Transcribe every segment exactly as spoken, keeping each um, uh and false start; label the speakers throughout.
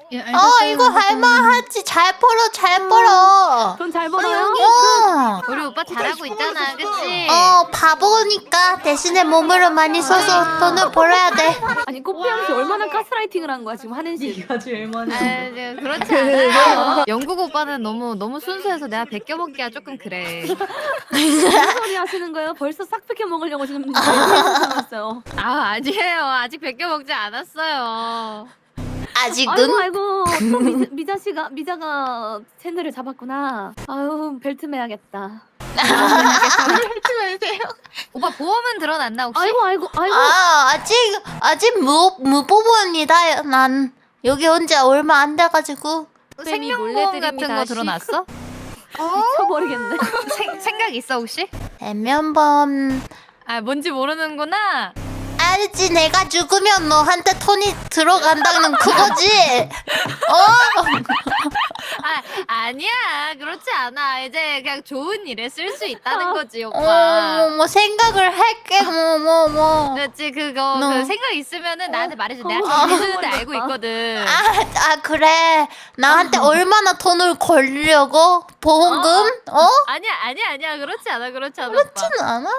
Speaker 1: 예,
Speaker 2: 어 이거 할만하지. 잘 벌어 잘 벌어.
Speaker 3: 돈 잘 벌어요?
Speaker 2: 어.
Speaker 1: 우리 오빠 잘하고 있잖아, 그치?
Speaker 2: 어 바보니까 대신에 몸으로 많이 써서 돈을 벌어야 돼.
Speaker 3: 아니 꽃피양 씨 얼마나 가스라이팅을 한 거야 지금 하는 씨.
Speaker 4: 네가 제일 많이.
Speaker 1: 아, 네, 그렇지 않아요. 영국 오빠는 너무 너무 순수해서 내가 베껴먹기가 조금 그래.
Speaker 3: 무슨 소리 하시는 거예요? 벌써 싹 뺏겨 먹으려고 지금 생각했어요.
Speaker 1: 아 아니에요. 아직 베껴먹지 않았어요.
Speaker 2: 아직은
Speaker 3: 아이고 아이고 또 미자, 미자 씨가 미자가 채널을 잡았구나. 아유 벨트 매야겠다.
Speaker 1: 오빠 보험은 들어놨나 혹시?
Speaker 3: 아이고 아이고 아이고.
Speaker 2: 아 아직 아직 무 무보부입니다. 난 여기 온 지 얼마 안 돼가지고.
Speaker 1: 생명보험 같은 거 들어놨어?
Speaker 3: 미쳐버리겠네.
Speaker 1: 생, 생각 있어 혹시?
Speaker 2: 대면범
Speaker 1: 아 뭔지 모르는구나.
Speaker 2: 알지. 내가 죽으면 너한테 돈이 들어간다는 그거지. 어?
Speaker 1: 아 아니야 그렇지 않아. 이제 그냥 좋은 일에 쓸 수 있다는 거지
Speaker 2: 어,
Speaker 1: 오빠.
Speaker 2: 뭐, 뭐 생각을 할게 뭐 뭐 뭐.
Speaker 1: 그렇지 그거
Speaker 2: 너.
Speaker 1: 그 생각 있으면은 나한테 말해줘. 내가
Speaker 3: 어.
Speaker 1: 잘해주는데 알고 있거든.
Speaker 2: 아, 아 그래. 나한테 얼마나 돈을 걸려고? 보험금? 어?
Speaker 1: 아니야 아니야 아니야 그렇지 않아 그렇지 않아
Speaker 2: 그렇지는
Speaker 1: 오빠.
Speaker 2: 않아.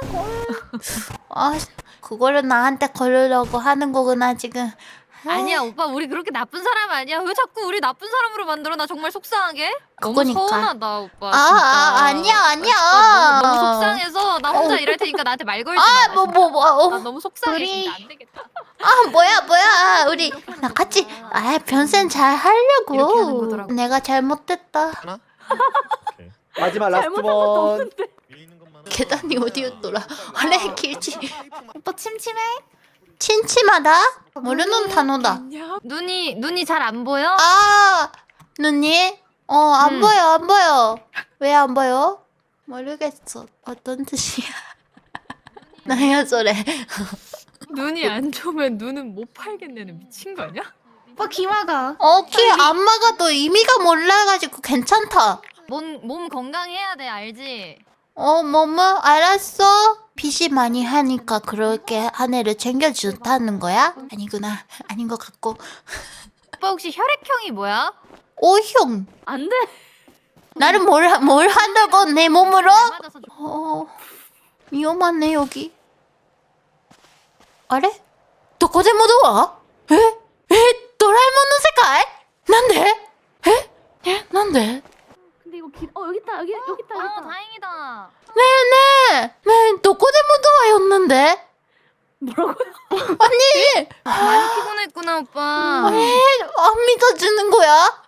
Speaker 2: 아 그거를 나한테 걸으려고 하는 거구나 지금.
Speaker 1: 아니야 오빠 우리 그렇게 나쁜 사람 아니야. 왜 자꾸 우리 나쁜 사람으로 만들어? 나 정말 속상하게.
Speaker 2: 그거니까.
Speaker 1: 너무 서운하다 오빠.
Speaker 2: 아,
Speaker 1: 진짜.
Speaker 2: 아 아니야 아니야.
Speaker 1: 나 너무, 너무 속상해서 나 혼자 일할 테니까 나한테 말 걸지 마.
Speaker 2: 아 뭐 뭐 뭐. 어.
Speaker 1: 나 너무 속상해
Speaker 2: 우리-
Speaker 1: 진짜 안 되겠다.
Speaker 2: 아 뭐야 뭐야 우리 나 같이 아 변sen 잘
Speaker 1: 이렇게 하는
Speaker 2: 하려고.
Speaker 1: 거더라고.
Speaker 2: 내가 잘못됐다.
Speaker 5: 하나? 오케이.
Speaker 6: 마지막 라스트
Speaker 3: 잘못한 것도
Speaker 6: 번.
Speaker 3: 없는데.
Speaker 5: 위에 있는 것만
Speaker 2: 계단이 어디였더라? 원래 길지.
Speaker 1: 오빠 침침해?
Speaker 2: 침침하다? 모르는 단어다.
Speaker 1: 눈이 눈이 잘 안 보여?
Speaker 2: 아 눈이? 어 안
Speaker 1: 음.
Speaker 2: 보여 안 보여. 왜 안 보여? 모르겠어. 어떤 뜻이야? 나야 저래.
Speaker 1: 눈이 안 좋으면 눈은 못 팔겠네는 미친 거 아니야?
Speaker 4: 오빠 기마가.
Speaker 2: 어 키 안 막아도 의미가 몰라가지고 괜찮다.
Speaker 1: 몸, 몸 건강해야 돼 알지?
Speaker 2: 어 뭐뭐 알았어. 빚이 많이 하니까 그렇게 한 해를 챙겨준다는 거야? 아니구나. 아닌 것 같고.
Speaker 1: 오빠 혹시 혈액형이 뭐야?
Speaker 2: 오형
Speaker 3: 안 돼.
Speaker 2: 나를 뭘, 하- 뭘 한다고 내 몸으로?
Speaker 1: 잘 맞아서 좋-
Speaker 2: 어 위험하네 여기. 아래? どこでもドア? 에? 에? ドラえもんの世界? なんで? 에? 에? なんで?
Speaker 3: 근데 이거 길. 어 여기 있다 여기 여기 있다 여기
Speaker 1: 아
Speaker 3: 있다.
Speaker 1: 다행이다.
Speaker 2: 네네. 네, どこでもドア였는데?
Speaker 3: 뭐라고요?
Speaker 2: 아니,
Speaker 1: 많이 피곤했구나 오빠.
Speaker 2: 에? 안 믿어주는 거야?